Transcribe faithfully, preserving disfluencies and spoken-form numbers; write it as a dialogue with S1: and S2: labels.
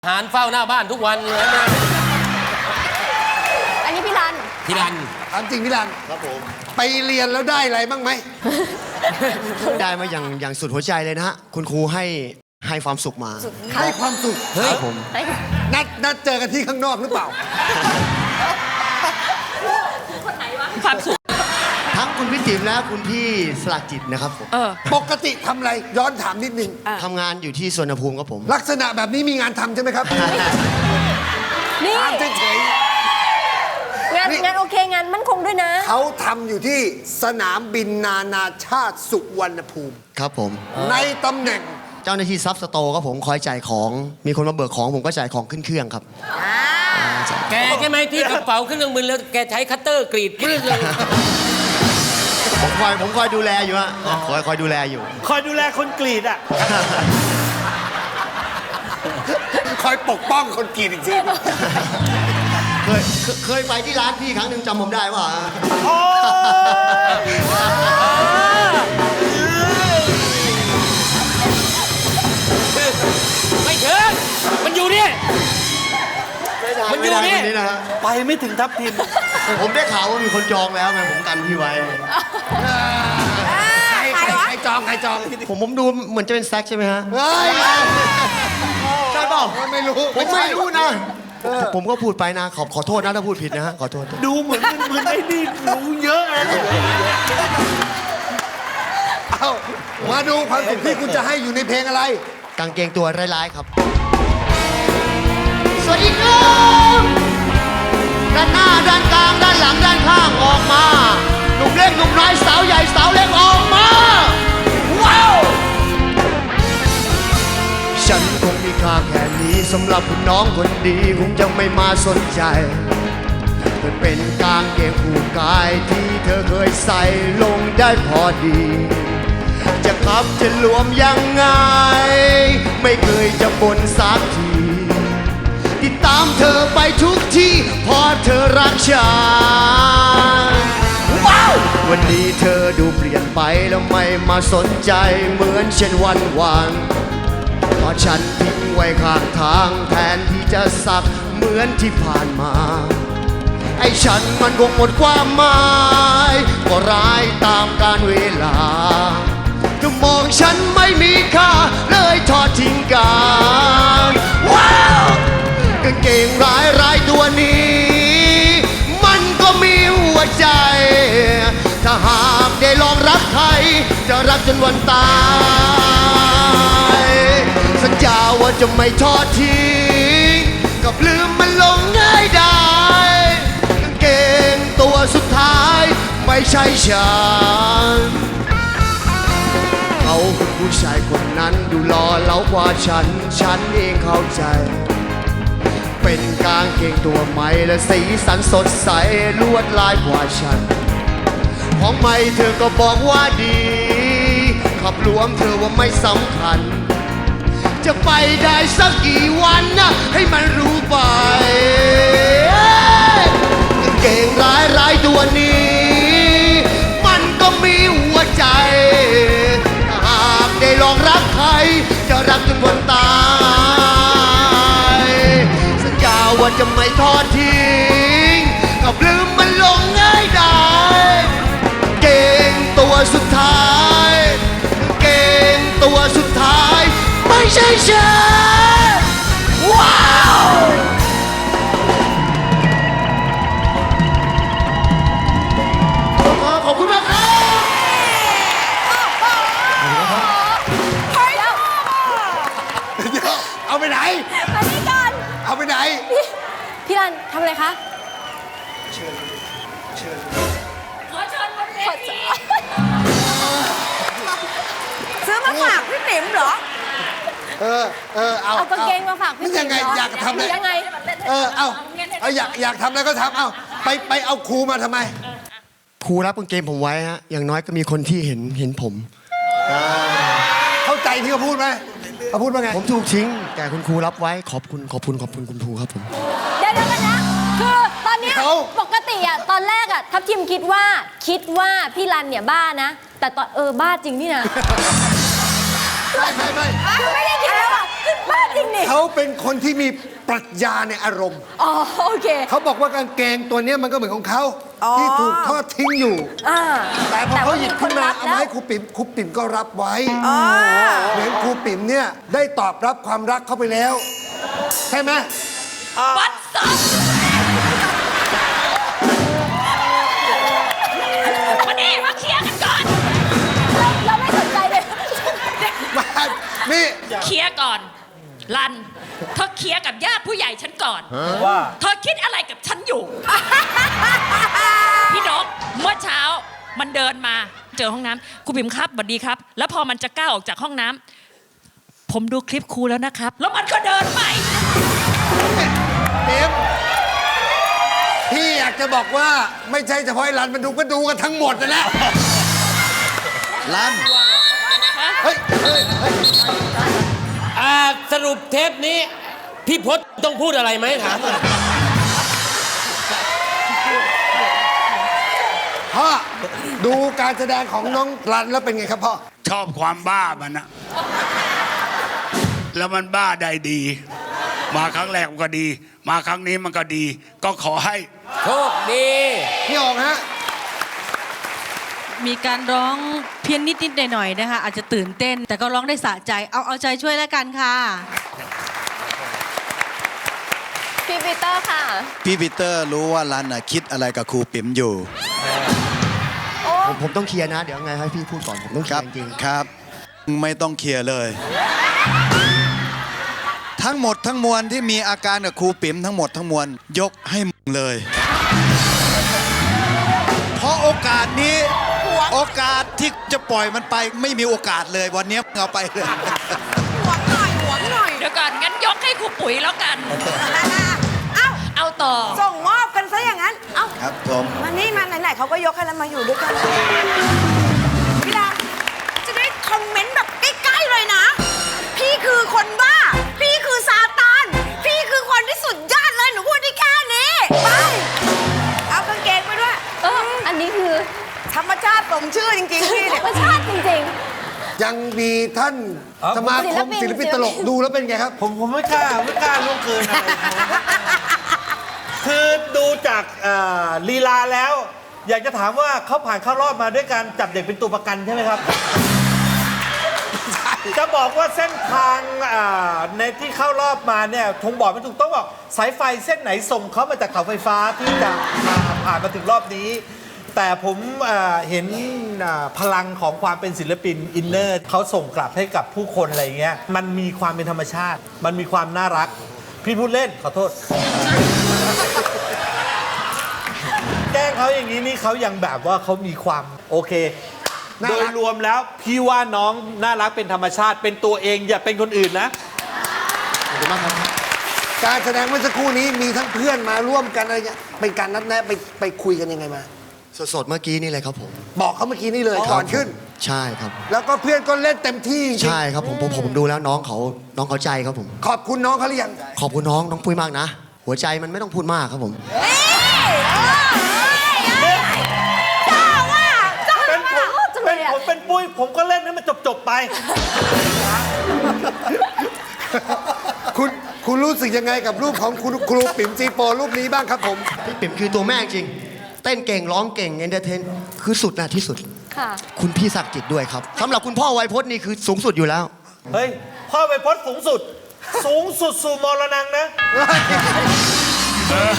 S1: หารเฝ้าหน้าบ้านทุกวันเลยนะ
S2: อันนี้พี่รัน
S1: พี่รัน
S3: ถามจริงพี่รัน
S4: ครับผม
S3: ไปเรียนแล้วได้อะไรบ้างไหม
S4: ได้มาอย่างอย่างสุดหัวใจเลยนะฮะ คุณครูให้ให้ความสุขมา
S3: ให้ความสุข
S1: เฮ้ย
S4: ครับผม
S3: นัดนัดเจอกันที่ข้างนอกหรือเปล่า
S2: ความสุข
S4: ทั้งคุณพี่ติ๋มและคุณพี่สลักจิตนะครับผม
S2: เออ
S3: ปกติทำอะไรย้อนถามนิดนึง
S4: ทำงานอยู่ที่สวนภูมิครับผม
S3: ลักษณะแบบนี้มีงานทำใช่ไหมครับ
S2: นี่
S3: ถามเฉย
S2: งานงานโอเคงานมั่นคงด้วยนะ
S3: ๆเขาทำอยู่ที่สนามบินนานาชาติสุวรรณภูมิ
S4: ครับผม
S3: ในตำแหน่ง
S4: เจ้าหน้าที่ซับสโตร์ครับผมคอยจ่ายของ มีคนมาเบิกของผมก็จ่ายของขึ้นเครื่องครับ
S1: แกใช่ไหมที่กระเป๋าขึ้นเครื่องบินแล้วแกใช้คัตเตอร์กรีดพื้นเลย
S4: ผมคอยผมคอยดูแลอยู่ฮะคอยคอยดูแลอยู่
S5: คอยดูแลคนกรีดอ่ะ
S3: คอยปกป้องคนกรีดอีกที
S4: เคยเคยเคยไปที่ร้านพี่ครั้งหนึ่งจำผมได้ป่ะ
S5: โอ้ย
S1: ไม่ถึงมันอยู่นี่ มันอยู่นี่
S4: ไม่ได้นะฮะ
S5: ไปไม่ถึงทับทิม
S4: ผมได้ข่าวว่ามีคนจองแล้วไงผมกันพี่ไว้
S3: ใครใครใครจองใครจอง
S4: ผมผมดูเหมือนจะเป็นแซกใช่ไหมฮะ
S3: เฮ้ย
S4: ใช่เปล่า
S3: ไม่รู้
S4: ผมไม่รู้นะ ผมก็พูดไปนะ ขอขอโทษนะถ้าพูดผิดนะฮะ ขอโทษ
S5: ดูเหมือนเหมือนไอ้นี่รู้เยอะนะ
S3: เอามาดูความสุขที่คุณจะให้อยู่ในเพลงอะไร
S4: กางเกงตัวร้ายๆครับ สวัสดีครับด้านหน้าด้านกลางด้านหลังด้านข้างออกมาหนุ่มเล็กหนุ่มน้อยสาวใหญ่สาวเล็กออกมา ว้าว ฉันคงมีค่าแค่นี้สำหรับคุณน้องคนดีคงจะไม่มาสนใจมันเป็นกางเกงผูกกายที่เธอเคยใส่ลงได้พอดี จะขับจะรวมยังไง ไม่เคยจะบ่นสักทีติดตามเธอไปทุกที่เพราะเธอรักฉันว้าววันนี้เธอดูเปลี่ยนไปแล้วไม่มาสนใจเหมือนเช่นวันวานเพราะฉันทิ้งไว้ข้างทางแทนที่จะสักเหมือนที่ผ่านมา ไอ้ฉันมันคงหมดความหมายก็ร้ายตามกาลเวลาเธอมองฉันไม่มีค่าเลยทอดทิ้งกันว้าวกางเกงร้ายร้ายตัวนี้ มันก็มีหัวใจ ถ้าหากได้ลองรักใครจะรักจนวันตายสัญญาว่าจะไม่ทอดทิ้งกับลืมมันลงง่ายได้กางเกงตัวสุดท้ายไม่ใช่ฉันเขาคือผู้ชายคนนั้นดูหล่อเหลากว่าฉัน ฉันเองเข้าใจ เป็นกางเกงตัวใหม่และสีสันสดใสลวดลายกว่าฉัน ของใหม่เธอก็บอกว่าดี ขับรวมเธอว่าไม่สำคัญ จะไปได้สักกี่วันนะให้มันรู้ไปกางเกงร้ายร้ายตัวนี้ มันก็มีหัวใจถ้าหากได้ลองรักใครจะรักจนวันตายสัญญาว่าจะไม่ทอดทิ้งกับลืมมันลงง่ายได้เกงตัวสุดท้ายเกงตัวสุดท้ายไม่ใช่ฉันว้าวขอบคุณมากครับ
S2: เฮ้ยเดี๋ยว
S3: เดี๋ยวเอาไปไหน
S2: มานี่ก่อน
S3: เอาไปไหน
S2: พี่พี่รันทำอะไรคะ ขอเชิญบนเวทีซื้อมาฝากพี่ติ๋มเหรอ
S3: เออ เออ เอา
S2: เอากางเกงมาฝากพี่
S3: มันยังไง
S2: ติ๋มเหรอ
S3: อยากทำอะไร
S2: ยังไง
S3: เออ เอาเอาอยากอยากทำอะไรก็ทำเอาไปไปเอาครูมาทำไม
S4: ครูรับกางเกงผมไว้ฮะ อย่างน้อยก็มีคนที่เห็นเห็นผม
S3: เข้าใจที่เขาพูดไหมเขาพูดว่าไง
S4: ผมถูกทิ้ง แต่คุณครูรับไว้ขอบคุณขอบคุณขอบคุณคุณครูครับผม
S2: เดี๋ยวเดี๋ยวกันนะ คือตอนเนี้ย
S3: เขา
S2: ปกติอะตอนแรกอะทัพทิมคิดว่าคิดว่าพี่รันเนี่ยบ้านะ แต่ตอนเออบ้าจริงนี่นะ
S3: ไม่ไม่ไม่
S2: คือไม่ได้คิดว่าแบบขึ้นบ้าจริงนี่
S3: เขาเป็นคนที่มีปรัชญาในอารมณ์
S2: อ๋อโอเค
S3: เขาบอกว่ากางเกงตัวเนี้ยมันก็เหมือนของเขาที่ถูกทอดทิ้งอยู่
S2: อ่า
S3: แต่พอเขาหยิบขึ้นมา
S2: แต่
S3: เอา
S2: ว่ามีคนรับ
S3: มาให้
S2: แล้ว
S3: ครูปิ่มครูปิ่มก็รับไว้เหมือนครูปิ่มเนี่ยได้ตอบรับความรักเข้าไปแล้ว ใช่ไหม
S1: บัดซบมานี่มาเคลียร์กันก่อน
S2: เราไม่สนใจเลย
S3: มานี่
S1: เคลียร์ก่อน ลัน เธอเคลียร์กับญาติผู้ใหญ่ฉันก่อน
S5: ว่า
S1: เธอคิดอะไรกับฉันอยู่ พี่นกเมื่อเช้ามันเดินมาเจอห้องน้ำครูปิ่มครับสวัสดีครับ แล้วพอมันจะก้าวออกจากห้องน้ำผมดูคลิปครูแล้วนะครับ แล้วมันก็เดินไป
S3: ปิ่มพี่อยากจะบอกว่าไม่ใช่เฉพาะไอ้รันมันดูก็ดูกันทั้งหมดนะแหละ
S4: ลัน
S3: เฮ้ยเฮ้ยเฮ้ย
S6: อ่าสรุปเทปนี้ พี่พศต้องพูดอะไรไหมถามหน่อย
S3: พ่อดูการแสดงของน้องรันแล้วเป็นไงครับพ่อ
S7: ชอบความบ้ามันนะแล้วมันบ้าได้ดี มาครั้งแรกมันก็ดี มาครั้งนี้มันก็ดี ก็ขอให้
S6: โชคดี
S3: พี่ออกฮะ
S8: มีการร้องเพี้ยนนิดๆหน่อยๆนะคะ อาจจะตื่นเต้น แต่ก็ร้องได้สะใจเอาเอาใจช่วยแล้วกันค่ะ
S2: พี่ปีเตอร์ค่ะ
S9: พี่ปีเตอร์รู้ว่ารันน่ะคิดอะไรกับครูปิ๋มอยู่
S2: โอ้
S4: ผมผมต้องเคลียร์นะ เดี๋ยวไงให้พี่พูดก่อน ผมต้องเค
S9: ค
S4: ลีย
S9: รับ
S4: ร์จริง
S9: ครับไม่ต้องเคลียร์เลย ทั้งหมดทั้งมวลที่มีอาการกับครูปิ๋มทั้งหมดทั้งมวลยกให้มึงเลย เพราะโอกาสนี้ โอกาสที่จะปล่อยมันไปไม่มีโอกาสเลยวันนี้มึงเอาไปเลย
S1: เดี๋ยวก่อนงั้นยกให้ครูปุ๋ยแล้วกัน
S10: เอ้า
S1: เอาต่อ
S10: ส่งมอบกันซะอย่างนั้น เอ้า
S9: ครับผม
S10: มานี่มาไหนๆเขาก็ยกให้แล้วมาอยู่ด้วยกันพี่ดาจะได้คอมเมนต์แบบใกล้ๆเลยนะ พี่คือคนบ้า พี่คือซาตาน พี่คือคนที่สุดยอดเลย หนูพูดได้แค่นี้ ไป เอากางเกงไปด้วย
S2: เอออันนี้คือ
S10: ธรรมชาติสมชื่อจริงๆ พี่
S2: ธร
S10: เนี่ย
S2: รมชาติจริง
S3: ยังมีท่านสมาคมศิลปินตลกดูแล้วเป็นไงครับ
S5: ผมผมไม่กล้าไม่กล้าล่วงเกินอะไรคือดูจากเอ่อลีลาแล้ว อยากจะถามว่าเขาผ่านเข้ารอบมาด้วยการจับเด็กเป็นตัวประกันใช่ไหมครับ จะบอกว่าเส้นทางอ่าในที่เข้ารอบมาเนี่ยทงบอกไม่ถูกต้องบอกสายไฟเส้นไหนส่งเขามาจากเสาไฟฟ้าที่จะมาผ่านมาถึงรอบนี้ แต่ผมเอ่อเห็นอ่าพลังของความเป็นศิลปินอินเนอร์เขาส่งกลับให้กับผู้คนอะไรเงี้ยมันมีความเป็นธรรมชาติ มันมีความน่ารัก พี่พูดเล่นขอโทษ แกล้งเขาอย่างนี้นี่เขายังแบบว่าเขามีความโอเค
S3: น่า
S5: โด
S3: รั
S5: ย
S3: ก
S5: รวมแล้วพี่ว่าน้องน่ารักเป็นธรรมชาติเป็นตัวเองอย่าเป็นคนอื่นนะ
S3: ขอบคุณมากครับ การแสดงเมื่อสักครู่นี้มีทั้งเพื่อนมาร่วมกันอะไรเงี้ยเป็นการนัดแนะไปไปคุยกันยังไงมา
S4: ๆ สดๆ เมื่อกี้นี่เลยครับผม
S3: บอกเขาเมื่อกี้นี่เลยก่อนขึ้น
S4: ใช่ครับ
S3: แล้วก็เพื่อนก็เล่นเต็มที่จริง
S4: ใช่ครับผมผมผมดูแล้วน้องเขาน้องเขาใจครับผม
S3: ขอบคุณน้องเขาหรือยัง
S4: ขอบคุณน้องน้องปุ้ยมากนะ หัวใจมันไม่ต้องพูดมากครับผม
S5: เป็นผม
S2: จังเล
S5: เป็น
S2: ยอะ
S5: ผมเป็นปุ้ยผมก็เล่นให้มันจบๆไป
S3: คุณคุณรู้สึกยังไงกับรูปของคุณครูปิ่มซีโปรูปนี้บ้างครับผม
S4: พี่ปิ่มคือตัวแม่จริง เต้นเก่งร้องเก่งเอนเตอร์เทนคือสุดนะที่สุด
S2: ๆ ค่ะ
S4: คุณพี่ศักดิ์จิตด้วยครับสำหรับคุณพ่อไวยพจน์นี่คือสูงสุดอยู่แล้ว
S5: เฮ้ย พ่อไปพจน์สูงสุด สูงสุดสู่มรณงนะ